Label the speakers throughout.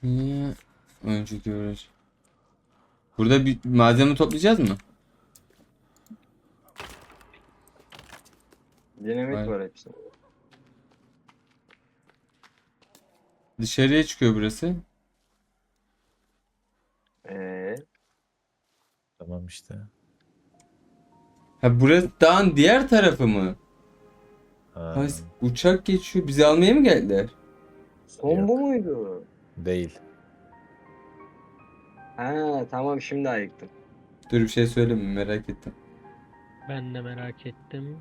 Speaker 1: Niye? Önceki uğraş. Burada bir malzeme toplayacağız mı?
Speaker 2: Dinamit
Speaker 1: Hayır.
Speaker 2: var hepsinde.
Speaker 1: Dışarıya çıkıyor burası.
Speaker 2: Ee,
Speaker 3: Tamam işte.
Speaker 1: Ha, burası dağın diğer tarafı mı?
Speaker 3: Ha,
Speaker 1: Ha, uçak geçiyor. Bizi almaya mı geldiler?
Speaker 2: son bu
Speaker 3: Yok.
Speaker 2: muydu?
Speaker 3: Değil.
Speaker 2: Ha tamam, şimdi ayıktım.
Speaker 1: Dur, bir şey söyleme, merak ettim.
Speaker 4: Ben de merak ettim.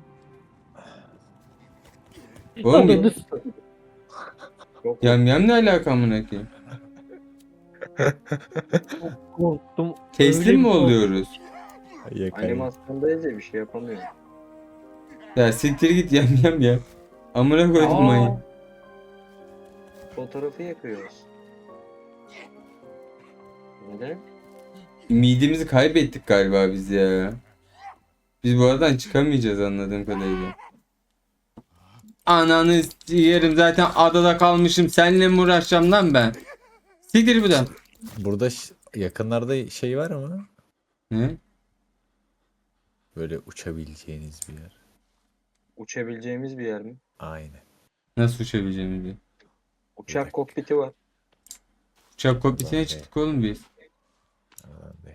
Speaker 1: Oğlum
Speaker 4: Ananı s-
Speaker 2: Çok
Speaker 1: yam ne alaka amına koyayım?
Speaker 4: Çok korktum.
Speaker 1: Teslim
Speaker 4: Öyle
Speaker 1: mi
Speaker 4: bir korktum.
Speaker 1: oluyoruz?
Speaker 3: Yakayım.
Speaker 2: animasyondayız ya, bir şey yapamıyorum.
Speaker 1: Ya siktir git yam ya. Amına koydum
Speaker 2: Aa!
Speaker 1: ayı.
Speaker 2: Fotoğrafı yakıyoruz. Neden?
Speaker 1: Midemizi kaybettik galiba biz ya. Biz bu aradan çıkamayacağız anladığım kadarıyla. Ananı yerim, zaten adada kalmışım. Seninle mi uğraşacağım lan ben? Siktir bu da.
Speaker 3: Burada yakınlarda şey var mı?
Speaker 1: Ne?
Speaker 3: Böyle uçabileceğiniz bir yer.
Speaker 2: Uçabileceğimiz bir yer mi?
Speaker 3: Aynen.
Speaker 1: Nasıl uçabileceğimiz bir?
Speaker 2: Uçak
Speaker 3: dakika.
Speaker 2: kokpiti var.
Speaker 1: Uçak kokpitine
Speaker 3: Ulan be.
Speaker 1: çıktık oğlum biz.
Speaker 3: Aman be.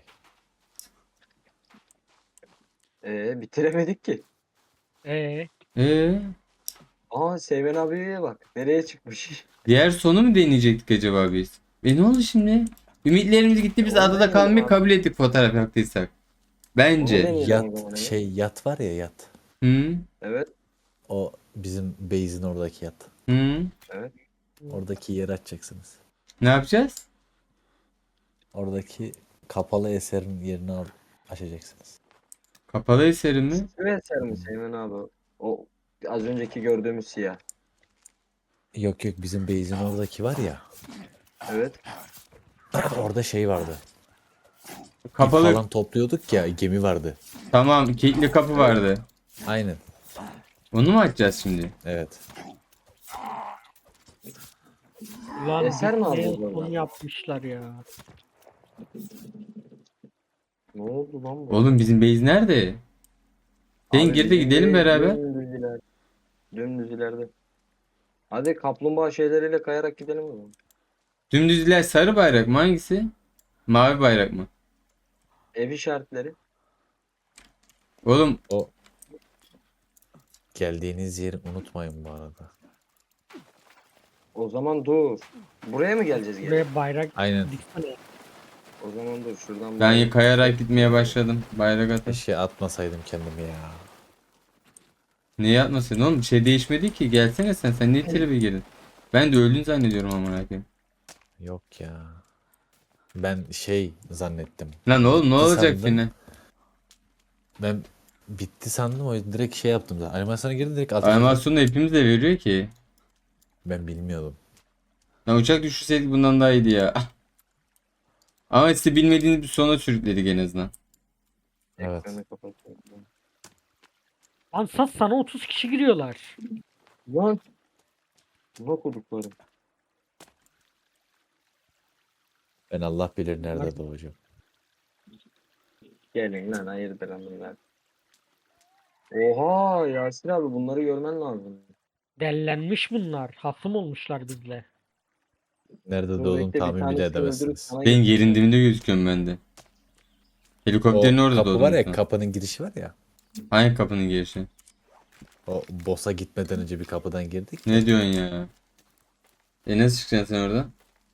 Speaker 2: Bitiremedik ki.
Speaker 4: Ee,
Speaker 1: Ee,
Speaker 2: Aa, Seymen abiye bak. Nereye çıkmış?
Speaker 1: diğer sonu mu deneyecektik acaba biz? Ne oldu şimdi? Ümitlerimiz gitti, biz
Speaker 2: Onu
Speaker 1: adada
Speaker 2: deneyelim
Speaker 1: kalmayı
Speaker 2: abi.
Speaker 1: kabul ettik fotoğraf yaptıysak. Bence.
Speaker 2: deneyelim o zaman, evet.
Speaker 3: Yat var ya yat.
Speaker 1: Hı?
Speaker 2: Evet.
Speaker 3: O bizim base'in oradaki yat.
Speaker 1: Hı?
Speaker 2: Evet.
Speaker 3: Oradaki yeri açacaksınız.
Speaker 1: Ne yapacağız?
Speaker 3: Oradaki kapalı eserin yerini açacaksınız.
Speaker 1: Kapalı eseri mi?
Speaker 2: Şu eser mi Seymen abi? O az önceki gördüğümüz siyah.
Speaker 3: Yok yok, bizim base'in oradaki var ya.
Speaker 2: Evet.
Speaker 3: Orada şey vardı. İp
Speaker 1: Kapalı.
Speaker 3: falan topluyorduk ya, gemi vardı.
Speaker 1: Tamam, kilitli kapı vardı.
Speaker 3: Aynen.
Speaker 1: Onu mu açacağız şimdi?
Speaker 3: Evet.
Speaker 4: ulan
Speaker 2: Eser mi
Speaker 4: bitmeye
Speaker 2: alacağız oradan?
Speaker 4: son yapmışlar ya.
Speaker 2: Ne oldu lan bu?
Speaker 1: Oğlum bizim base nerede? Sen
Speaker 2: Abi
Speaker 1: gir de
Speaker 2: bizim
Speaker 1: gidelim
Speaker 2: de
Speaker 1: beraber.
Speaker 2: Dümdüz ileride. Dümdüz ileride. Hadi kaplumbağa şeyleriyle kayarak gidelim o zaman.
Speaker 1: Dümdüzler sarı bayrak mı, hangisi? Mavi bayrak mı?
Speaker 2: Ev işaretleri.
Speaker 1: Oğlum
Speaker 3: O geldiğiniz yeri unutmayın bu arada.
Speaker 2: O zaman dur. Buraya mı geleceğiz geri?
Speaker 4: Buraya bayrak
Speaker 3: Aynen.
Speaker 4: diksene.
Speaker 2: O zaman dur şuradan.
Speaker 1: ben kayarak gitmeye başladım. Bayrak atın.
Speaker 3: Keşke atmasaydım kendimi ya.
Speaker 1: Niye atmasın oğlum? Bir şey değişmedi ki. Gelsene sen. Sen niye tribe girdin? Ben de öldün zannediyorum amına koyayım.
Speaker 3: Yok ya. Ben şey zannettim.
Speaker 1: Lan oğlum ne
Speaker 3: Bitti
Speaker 1: olacak
Speaker 3: sandım.
Speaker 1: yine?
Speaker 3: Ben bitti sandım, o yüzden direkt şey yaptım zaten. Animasyona girdim, direkt ateş ettim.
Speaker 1: Animasyonu da hepimiz de veriyor ki.
Speaker 3: Ben bilmiyordum.
Speaker 1: Lan uçak düşürseydik bundan daha iyiydi ya. Ama size bilmediğiniz bir sona sürükledik en azından.
Speaker 3: Evet.
Speaker 2: Ekranı kapatıyorum.
Speaker 4: Ansat sana 30 kişi giriyorlar.
Speaker 2: Lan. Ne okudukları?
Speaker 3: Ben Allah bilir nerede doğacağım.
Speaker 2: Gelin lan, hayırdır hanımlar. Oha Yasir abi, bunları görmen lazım.
Speaker 4: Dellenmiş bunlar. Hasım olmuşlar bizle.
Speaker 3: Nerede
Speaker 2: Dur
Speaker 3: doğduğumu
Speaker 2: bekle, bir
Speaker 3: tahmin bile
Speaker 2: tanesini öldürüp
Speaker 3: edemezsiniz.
Speaker 2: sana
Speaker 1: Benim yerin
Speaker 2: getireceğim.
Speaker 1: dibinde gözüküyorum ben de.
Speaker 3: O
Speaker 1: Helikopterin orada
Speaker 3: kapı
Speaker 1: doğdum
Speaker 3: var ya,
Speaker 1: sen.
Speaker 3: kapının girişi var ya.
Speaker 1: Hangi kapının girişi?
Speaker 3: O boss'a gitmeden önce bir kapıdan girdik ya.
Speaker 1: Ne diyorsun ya? Nasıl çıkacaksın sen oradan?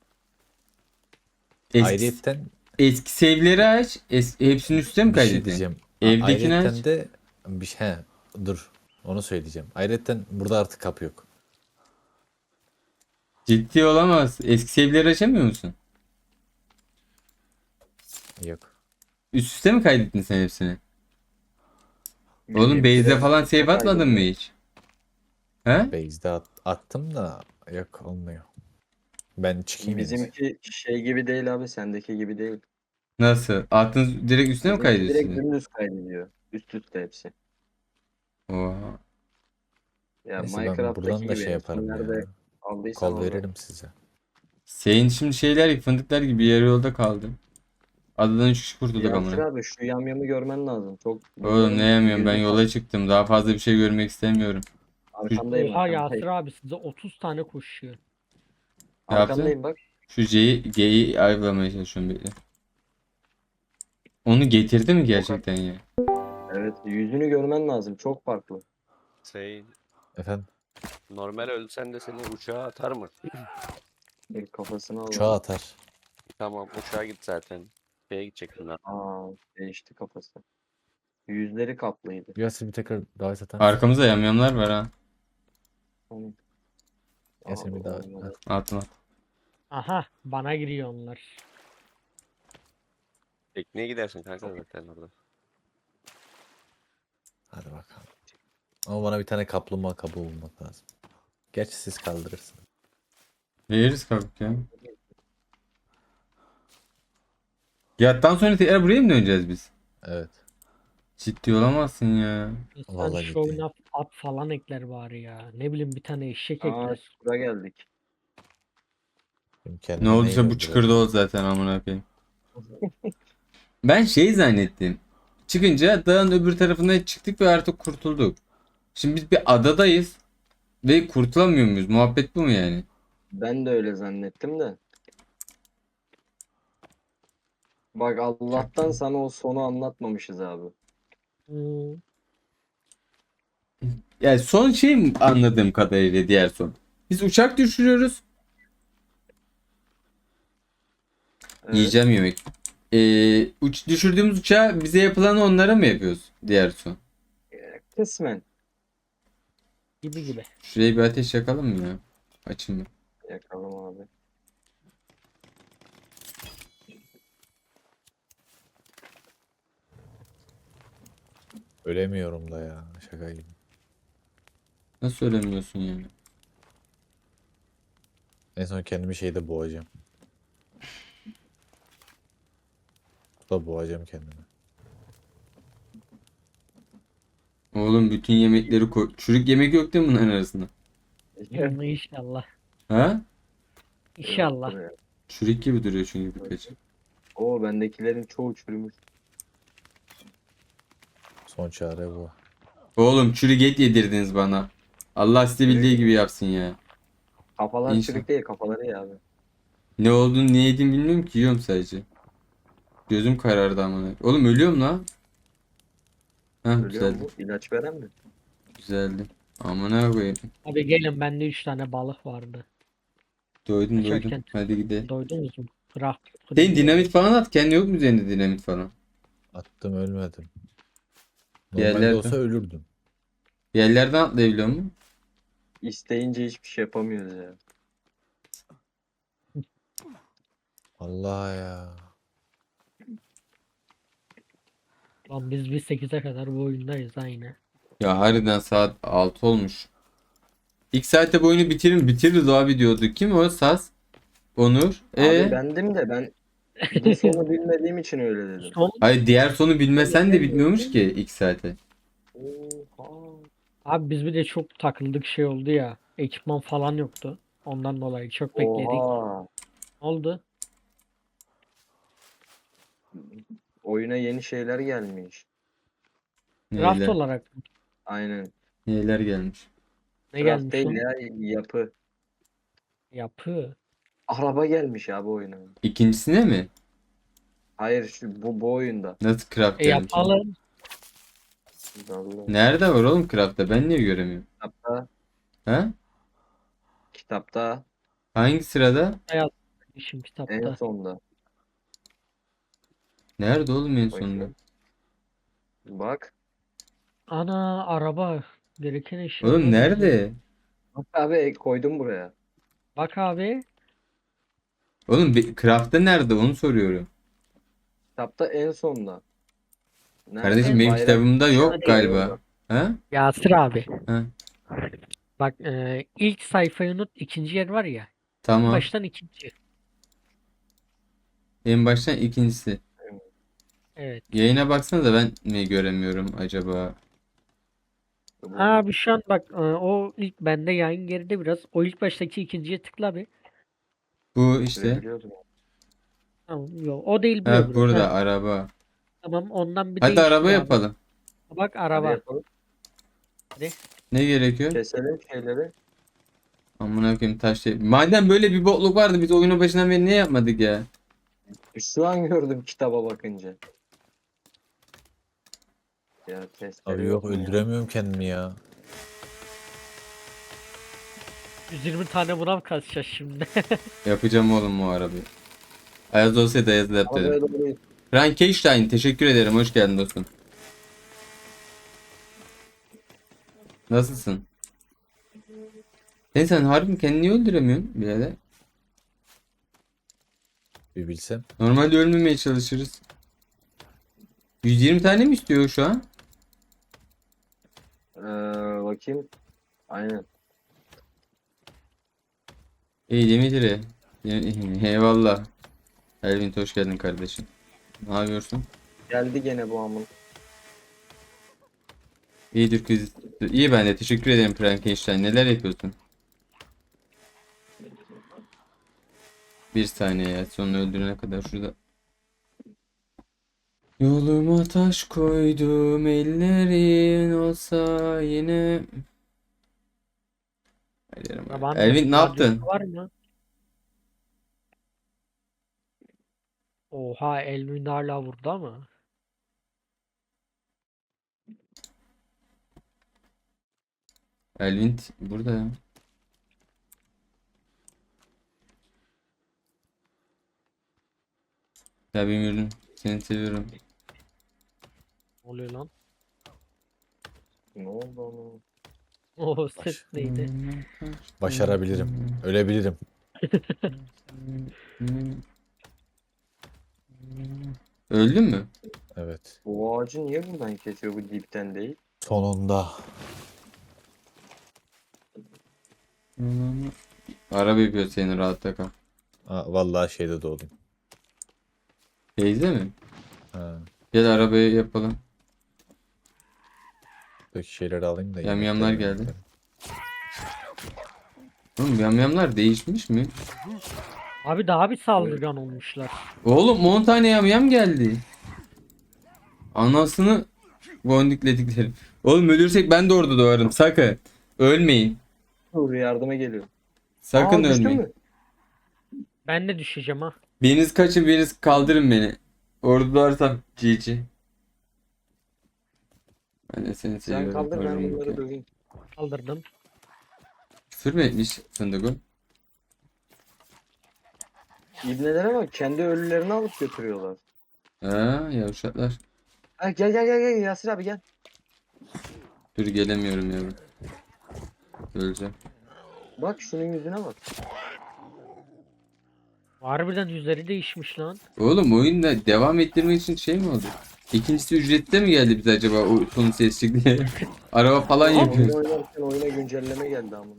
Speaker 1: Eski,
Speaker 3: Ayrıyetten
Speaker 1: eski save'leri aç. Hepsinin üstüne mi
Speaker 3: bir şey
Speaker 1: kaydedin?
Speaker 3: diyeceğim.
Speaker 1: Evdekini
Speaker 3: Ayrıyetten
Speaker 1: aç.
Speaker 3: de bir şey, dur. Onu söyleyeceğim. Ayrıyetten burada artık kapı yok.
Speaker 1: Ciddi olamaz. Eski save'leri açamıyor musun?
Speaker 3: Yok.
Speaker 1: Üst üste mi kaydettin sen hepsini? Oğlum base'de
Speaker 2: Biraz
Speaker 1: falan save
Speaker 2: çok
Speaker 1: atmadın mı
Speaker 2: ayrı.
Speaker 1: hiç? He?
Speaker 3: Base'de attım da yok, olmuyor. Ben çıkayım en iyisi.
Speaker 2: Bizimki şey gibi değil abi, sendeki gibi değil.
Speaker 1: Nasıl? Attın direkt üstüne mi
Speaker 2: Bizimki direkt
Speaker 1: kaydediyorsun?
Speaker 2: dümdüz kaydediyor. Üst üste hepsi.
Speaker 1: Oha.
Speaker 2: Ya
Speaker 3: Neyse, ben
Speaker 2: Minecraft'taki
Speaker 3: buradan da
Speaker 2: gibi
Speaker 3: şey yaparım ya.
Speaker 2: nerede aldıysan
Speaker 3: Kol
Speaker 2: orada.
Speaker 3: veririm size.
Speaker 1: Senin şimdi şeyler fındıklar gibi yarı yolda kaldı. Adadan 3 kişi kurtulduk
Speaker 2: Yasir
Speaker 1: amına.
Speaker 2: abi şu yamyamı görmen lazım. Çok
Speaker 1: Oğlum ne
Speaker 2: bunların
Speaker 1: yemiyorum, ben
Speaker 2: yüzü
Speaker 1: yola çıktım. Daha fazla bir şey görmek istemiyorum. Şu,
Speaker 2: arkandayım
Speaker 4: Oha
Speaker 2: arkandayım.
Speaker 4: Yasir abi size 30 tane koşuyor.
Speaker 1: ne yaptın?
Speaker 2: Arkandayım bak.
Speaker 1: Şu G'yi ayıklamaya çalışıyorum bekle. Onu getirdi mi gerçekten ya?
Speaker 2: Evet yüzünü görmen lazım. Çok farklı.
Speaker 5: Şey,
Speaker 3: Efendim
Speaker 5: normal ölsen de seni uçağa atar mı?
Speaker 2: Kafasını al.
Speaker 3: uçağa atar.
Speaker 5: Tamam, uçağa git zaten. Şeye gidecektin ha.
Speaker 2: Aa, değişti kafası. Yüzleri kaplıydı.
Speaker 3: Yasin bir tekrar davet atar mısın?
Speaker 1: Arkamızda yamyamlar var ha.
Speaker 2: Hani-
Speaker 3: Yasin bir
Speaker 2: Aa,
Speaker 3: davet.
Speaker 2: olmadı.
Speaker 1: Atma.
Speaker 4: Aha bana giriyor onlar.
Speaker 5: Tekneye gidersin kanka zaten orada.
Speaker 3: Hadi bakalım. Ama bana bir tane kaplumbağa kabuğu bulmak lazım. Gerçi siz kaldırırsınız.
Speaker 1: Veririz kalk ya. Yattan sonra tekrar buraya mı döneceğiz biz?
Speaker 3: Evet.
Speaker 1: Ciddi olamazsın ya.
Speaker 4: İnsan
Speaker 3: Vallahi
Speaker 4: şu
Speaker 3: ciddi.
Speaker 4: oyuna at falan ekler bari ya. Ne bileyim bir tane eşek
Speaker 2: Aa,
Speaker 4: ekler.
Speaker 2: şuraya geldik.
Speaker 3: Benim
Speaker 1: Ne
Speaker 3: kendime
Speaker 1: olduysa
Speaker 3: neyle
Speaker 1: bu çıkırdı
Speaker 3: öldürebilirim?
Speaker 1: o zaten amına koyayım. Ben şey zannettim. Çıkınca dağın öbür tarafına çıktık ve artık kurtulduk. Şimdi biz bir adadayız ve kurtulamıyor muyuz? Muhabbet bu mu yani?
Speaker 2: Ben de öyle zannettim de. Bak Allah'tan sana o sonu anlatmamışız abi.
Speaker 4: Hmm,
Speaker 1: Yani son şey mi anladığım kadarıyla diğer son. Biz uçak düşürüyoruz.
Speaker 2: Evet.
Speaker 1: Yiyeceğim yemek. Düşürdüğümüz uçağı bize yapılanı onlara mı yapıyoruz? Diğer son.
Speaker 2: Kısmen
Speaker 4: gibi gibi.
Speaker 1: Şuraya bir ateş yakalım mı ya? Açın mı?
Speaker 2: yakalım abi.
Speaker 3: Ölemiyorum da ya. Şaka gibi.
Speaker 1: Nasıl söylemiyorsun yani?
Speaker 3: En son kendimi şeyde boğacağım. Burada boğacağım kendimi.
Speaker 1: Oğlum bütün yemekleri koy. Çürük yemek yok değil mi bunların arasında?
Speaker 4: İnşallah.
Speaker 1: Ha?
Speaker 4: İnşallah.
Speaker 2: Yoktur ya.
Speaker 1: Çürük gibi duruyor çünkü birkaç.
Speaker 2: Oo bendekilerin çoğu çürümüş.
Speaker 3: Son çare bu.
Speaker 1: Oğlum çürük et yedirdiniz bana. Allah size bildiği gibi yapsın ya.
Speaker 2: Kafalar
Speaker 1: İnşallah.
Speaker 2: çürük değil kafaları ya abi.
Speaker 1: Ne olduğunu ne yediğimi bilmiyorum ki, yiyorum sadece. Gözüm karardı amına. Oğlum ölüyorum lan. Heh,
Speaker 2: Ölüyor
Speaker 1: güzeldi.
Speaker 2: mu? İlaç veren mi?
Speaker 1: Güzeldi. Amına koyayım.
Speaker 4: Abi gelin bende 3 tane balık vardı.
Speaker 1: Doydum
Speaker 4: Kaçarken
Speaker 1: Hadi gidelim.
Speaker 4: doydunuz mu? Bırak.
Speaker 1: Senin dinamit falan at. Kendi yok mu üzerinde dinamit falan?
Speaker 3: Attım ölmedim.
Speaker 1: Bir
Speaker 3: Normalde
Speaker 1: yerlerde.
Speaker 3: olsa ölürdüm.
Speaker 1: Bir yerlerden atlayabiliyor mu?
Speaker 2: İsteyince hiçbir şey yapamıyoruz ya.
Speaker 3: Allah ya.
Speaker 4: Lan biz 8'e kadar bu oyundayız aynı.
Speaker 1: Ya harbiden saat 6 olmuş. İlk saatte bu oyunu bitiririz abi diyordu. Kim o? Saz? Onur.
Speaker 2: Abi bendim de ben bu sonu bilmediğim için öyle dedim.
Speaker 4: Son
Speaker 1: Hayır, diğer sonu bilmesen de bitmiyormuş ki ilk saate.
Speaker 2: Oha.
Speaker 4: abi biz bir de çok takıldık şey oldu ya. Ekipman falan yoktu. Ondan dolayı çok bekledik.
Speaker 2: Oha.
Speaker 4: Ne oldu?
Speaker 2: Oyuna yeni şeyler gelmiş.
Speaker 4: Craft
Speaker 1: Neyler,
Speaker 4: olarak
Speaker 2: Aynen.
Speaker 1: neyler gelmiş.
Speaker 4: ne
Speaker 2: Craft
Speaker 4: gelmiş
Speaker 2: değil
Speaker 4: lan?
Speaker 2: ya yapı.
Speaker 4: Yapı.
Speaker 2: Araba gelmiş abi oyuna.
Speaker 1: İkincisine mi?
Speaker 2: Hayır bu oyunda.
Speaker 1: Nasıl craft gelmiş?
Speaker 4: Yapalım.
Speaker 2: Vallahi.
Speaker 1: Nerede var oğlum craft'ta? Ben niye göremiyorum?
Speaker 2: Kitapta,
Speaker 1: Ha?
Speaker 2: kitapta
Speaker 1: Hangi sırada?
Speaker 4: İşim
Speaker 2: en
Speaker 4: kitapta.
Speaker 2: sonda.
Speaker 1: Nerede oğlum en sonunda?
Speaker 2: Bakayım. Bak.
Speaker 4: Ana araba. Gereken eşyalar.
Speaker 1: Oğlum nerede?
Speaker 2: Bak abi koydum buraya.
Speaker 4: Bak abi.
Speaker 1: Oğlum craft'ta nerede onu soruyorum.
Speaker 2: Kitapta en sonda. Nerede?
Speaker 1: Kardeşim benim
Speaker 2: Bayrak
Speaker 1: kitabımda yok
Speaker 2: işareti
Speaker 1: galiba.
Speaker 2: orada.
Speaker 1: Ha?
Speaker 4: Yasir abi.
Speaker 1: Ha.
Speaker 4: Bak ilk sayfayı unut. İkinci yer var ya.
Speaker 1: Tamam.
Speaker 4: Baştan ikinci.
Speaker 1: En baştan ikincisi.
Speaker 4: Evet.
Speaker 1: Yayına baksana da ben mi göremiyorum acaba?
Speaker 4: Abi şu an bak o ilk bende yayın geride biraz. O ilk baştaki ikinciye tıkla bir.
Speaker 1: Bu işte.
Speaker 2: Sürebiliyordum.
Speaker 4: Tamam, yok. O değil bu
Speaker 1: Ha
Speaker 4: öbürü.
Speaker 1: burada
Speaker 4: Ha,
Speaker 1: araba.
Speaker 4: tamam ondan bir
Speaker 1: Hadi
Speaker 4: değiştir
Speaker 1: araba
Speaker 4: abi.
Speaker 1: yapalım.
Speaker 4: Bak
Speaker 2: Hadi
Speaker 4: araba.
Speaker 2: yapalım.
Speaker 1: Ne gerekiyor?
Speaker 2: Keselim şeyleri.
Speaker 1: Amına koyayım taş şey. Madem böyle bir bokluk vardı biz oyunun başından beri niye yapmadık ya?
Speaker 2: Şu an gördüm kitaba bakınca. Ya testere
Speaker 3: Abi yok
Speaker 2: mu ya?
Speaker 3: öldüremiyorum kendimi ya.
Speaker 4: 120 tane buna mı kaçacağız şimdi?
Speaker 1: Yapacağım oğlum o arabayı. Ayaz olsaydı Ayaz da yap dedim.
Speaker 2: Arabaya doğru
Speaker 1: Frankenstein teşekkür ederim. Hoş geldin dostum. Nasılsın? Sen harbi kendini niye öldüremiyorsun birader?
Speaker 3: Bir bilsem.
Speaker 1: Normalde ölmemeye çalışırız. 120 tane mi istiyor şu an?
Speaker 2: bakayım. Aynen.
Speaker 1: İyi Dimitri. Eyvallah. Elvin hoş geldin kardeşim. Ne yapıyorsun?
Speaker 2: Geldi gene bu amın.
Speaker 1: İyidir kız. İyi ben de teşekkür ederim Frankenstein. Neler yapıyorsun? Bir saniye ya. Sonunu öldürene kadar şurada. Yoluma taş koydum ellerin olsa yine. Hayır,
Speaker 4: Arabanın
Speaker 1: Elvin ne
Speaker 4: radyosu
Speaker 1: yaptın?
Speaker 4: var mı? Oha Elvin hala vurdu ama.
Speaker 1: Elvin burada ya. Ya bilmiyorum. Seni seviyorum.
Speaker 4: Ne oluyor lan?
Speaker 2: Ne oldu ama?
Speaker 4: O ses neydi?
Speaker 3: Başarabilirim. Ölebilirim.
Speaker 1: Öldün mü?
Speaker 3: Evet.
Speaker 2: Bu ağacı niye buradan kesiyor bu dipten değil?
Speaker 3: Sonunda.
Speaker 1: Araba yapıyor seni rahatta kal.
Speaker 3: Vallahi şeyde doğdum.
Speaker 1: Teyze mi?
Speaker 3: Ha.
Speaker 1: Gel arabayı yapalım.
Speaker 3: Buradaki şeyleri alayım da.
Speaker 1: Yamyamlar
Speaker 3: yemekleri
Speaker 1: geldi.
Speaker 3: yemekleri.
Speaker 1: Oğlum yamyamlar değişmiş mi?
Speaker 4: Abi daha bir saldırgan olmuşlar.
Speaker 1: Oğlum 10 tane yamyam geldi. Anasını gondiklediklerim. Oğlum ölürsek ben de orada doğarım. Sakın. Ölmeyin.
Speaker 2: Dur yardıma geliyor.
Speaker 1: Sakın
Speaker 2: Düştün
Speaker 1: ölmeyin.
Speaker 2: mü?
Speaker 4: Ben de düşeceğim ha.
Speaker 1: Biriniz kaçın biriniz kaldırın beni. Orada doğarsam GG. Ben de seni
Speaker 2: Sen
Speaker 1: seviyorum.
Speaker 2: kaldır ben
Speaker 1: Öldüm
Speaker 2: bunları
Speaker 1: ki.
Speaker 2: döveyim.
Speaker 4: Kaldırdım.
Speaker 1: Küfür mü etmiş Fındık'ın?
Speaker 2: İbnelere bak kendi ölülerini alıp götürüyorlar.
Speaker 1: Ha yavşaklar.
Speaker 2: Ha, gel Yasir abi gel.
Speaker 1: Dur gelemiyorum yavrum. Öleceğim.
Speaker 2: Bak şunun yüzüne bak.
Speaker 4: Harbiden yüzleri değişmiş lan.
Speaker 1: Oğlum oyunda devam ettirmek için şey mi oldu? İkincisi ücrette mi geldi bize acaba o son ses çıktı diye? Araba falan
Speaker 2: Oyun
Speaker 1: yapıyoruz.
Speaker 2: oynarken oyuna güncelleme geldi ama.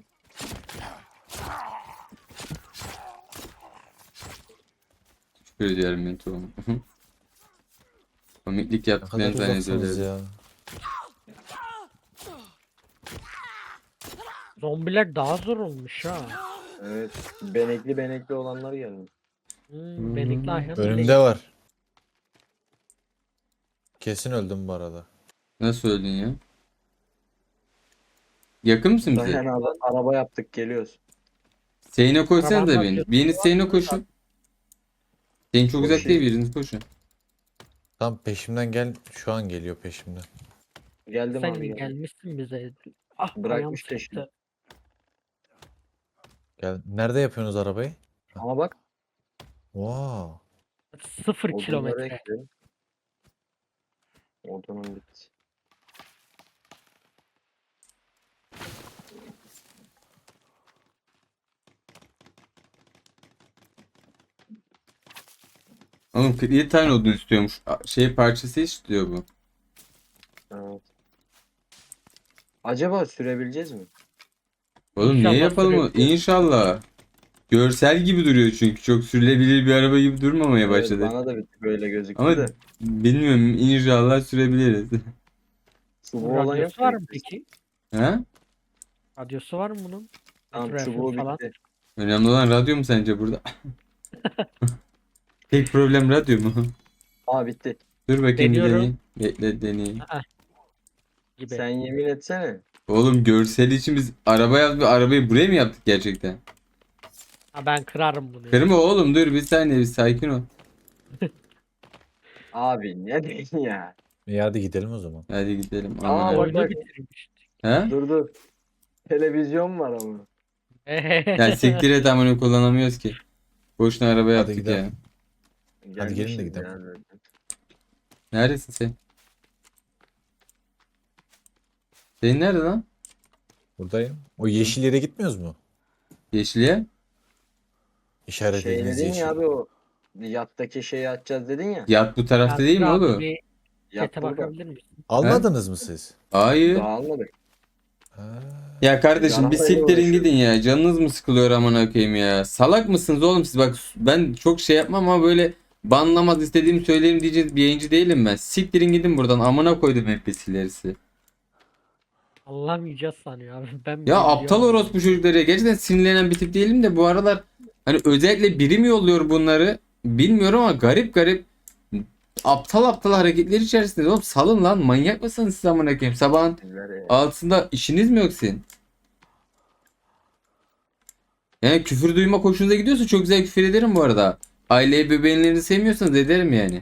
Speaker 1: Şükür ediyorum ben tuğum. Komiklik
Speaker 3: Ne kadar
Speaker 1: yaptıklarını
Speaker 3: uzaksınız
Speaker 1: zannediyorlar.
Speaker 3: ya.
Speaker 4: Zombiler daha zor olmuş ha.
Speaker 2: Evet. Benekli olanlar geldi.
Speaker 4: Benekli ayhan değil.
Speaker 3: Önümde var. Kesin öldüm bu arada.
Speaker 1: Nasıl öldün ya? Yakın mısın bize?
Speaker 2: Dayan abi araba yaptık geliyoruz.
Speaker 1: Seyine koysanız da
Speaker 4: Arabanın
Speaker 1: beni.
Speaker 4: radyosu
Speaker 1: Biriniz
Speaker 4: var
Speaker 1: Seyine
Speaker 4: mı?
Speaker 1: koşun. Senin çok uzak değil
Speaker 2: Koşayım.
Speaker 1: biriniz koşun.
Speaker 3: Tam peşimden gel. Şu an geliyor peşimden.
Speaker 2: Geldim
Speaker 4: Sen
Speaker 2: abi geldim.
Speaker 4: gelmişsin bize. Ah
Speaker 2: Bırakmış
Speaker 4: ayağım
Speaker 2: peşini.
Speaker 4: sıktı.
Speaker 3: Gel. Nerede yapıyorsunuz arabayı?
Speaker 2: Ama bak
Speaker 4: 0
Speaker 2: odunları
Speaker 4: kilometre.
Speaker 2: ekledim. Odunun bitti.
Speaker 1: Oğlum 47 tane odun istiyormuş. Şey parçası istiyor bu.
Speaker 2: Evet. Acaba sürebileceğiz mi?
Speaker 1: Oğlum
Speaker 4: İnşallah
Speaker 1: niye yapalım onu?
Speaker 4: sürekli.
Speaker 1: İnşallah. Görsel gibi duruyor çünkü. Çok sürülebilir bir araba gibi durmamaya
Speaker 2: Evet,
Speaker 1: başladı.
Speaker 2: bana da böyle gözüktü
Speaker 1: Ama
Speaker 2: de.
Speaker 1: bilmiyorum inşallah sürebiliriz.
Speaker 2: Çubuğu olan yok
Speaker 4: Radyosu var
Speaker 2: mu?
Speaker 4: mı peki?
Speaker 1: Ha?
Speaker 4: Radyosu var mı bunun?
Speaker 2: Tamam
Speaker 4: Etrafı
Speaker 2: çubuğu
Speaker 4: falan.
Speaker 2: bitti.
Speaker 1: Önemli olan radyo mu sence burada? Tek problem radyo mu?
Speaker 2: Aa bitti.
Speaker 1: Dur bakayım bir
Speaker 4: Deniyorum.
Speaker 1: deneyeyim. Bekle deneyeyim.
Speaker 4: Gibi.
Speaker 2: Sen yemin etsene.
Speaker 1: Oğlum görsel için biz araba yaptık. Arabayı buraya mı yaptık gerçekten?
Speaker 4: Ha, ben kırarım bunu. ya.
Speaker 1: Kırma oğlum dur bir saniye bir sakin ol.
Speaker 2: Abi ne diyorsun ya?
Speaker 3: İyi hadi gidelim o zaman.
Speaker 1: Hadi gidelim.
Speaker 2: Aa,
Speaker 1: Aman
Speaker 2: bak,
Speaker 1: ha.
Speaker 4: Oyunu
Speaker 2: bak.
Speaker 4: bitirmiştik.
Speaker 1: Ha?
Speaker 2: Dur. Televizyon var ama.
Speaker 1: Ya siktir et amına kullanamıyoruz ki. Boşuna araba yaptık
Speaker 3: gidelim.
Speaker 1: ya.
Speaker 3: Hadi gelin de
Speaker 2: Gelmişiz
Speaker 3: gidelim.
Speaker 2: ya zaten.
Speaker 1: Neredesin sen? Senin nerede lan?
Speaker 3: Buradayım. O yeşil yere gitmiyoruz mu?
Speaker 1: Yeşiliye?
Speaker 3: İşaret
Speaker 2: Şey
Speaker 3: edildiğiniz
Speaker 2: dedin
Speaker 3: yeşil.
Speaker 2: ya abi o yattaki şeyi açacağız dedin ya.
Speaker 1: Yat bu tarafta değil mi
Speaker 4: Abi,
Speaker 1: oğlum?
Speaker 4: Bir
Speaker 2: Yat
Speaker 4: chat'e
Speaker 2: burada.
Speaker 4: bakabilir misin?
Speaker 3: Almadınız mı siz?
Speaker 1: Hayır.
Speaker 2: Daha almadık.
Speaker 3: Ha.
Speaker 1: Ya kardeşim bir
Speaker 2: Arabayla
Speaker 1: siktirin
Speaker 2: uğraşıyorum.
Speaker 1: gidin ya. Canınız mı sıkılıyor amına koyayım ya? Salak mısınız oğlum siz? Bak ben çok şey yapmam ama böyle banlamaz istediğimi söylerim diyeceğiz bir yayıncı değilim ben. Siktirin gidin buradan amına koydum NPC'leri size.
Speaker 4: Anlamayacağız sanıyor abi. Ben
Speaker 1: Ya
Speaker 4: bile
Speaker 1: aptal
Speaker 4: biliyorum.
Speaker 1: orospu çocukları ya. Gerçekten sinirlenen bir tip değilim de bu aralar hani özellikle biri mi yolluyor bunları bilmiyorum ama garip garip aptal aptal hareketler içerisinde. Oğlum salın lan manyak mısınız siz amına koyayım? Sabahın
Speaker 2: Bizler ya.
Speaker 1: altında işiniz mi yok senin? Yani küfür duymak hoşunuza gidiyorsa çok güzel küfür ederim bu arada. Aileyi bebeğinlerini sevmiyorsanız ederim yani.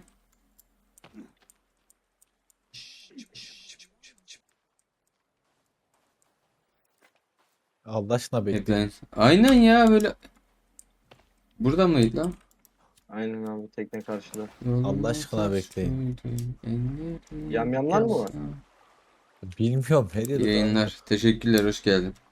Speaker 3: Allah aşkına bekleyin.
Speaker 1: Aynen ya böyle. Burada mıydı lan?
Speaker 2: Aynen abi tekne karşıda.
Speaker 3: Allah aşkına bekleyin.
Speaker 2: Yamyamlar mı var?
Speaker 3: Bilmiyorum. Her yerde
Speaker 1: Yayınlar. Teşekkürler. Hoş geldin.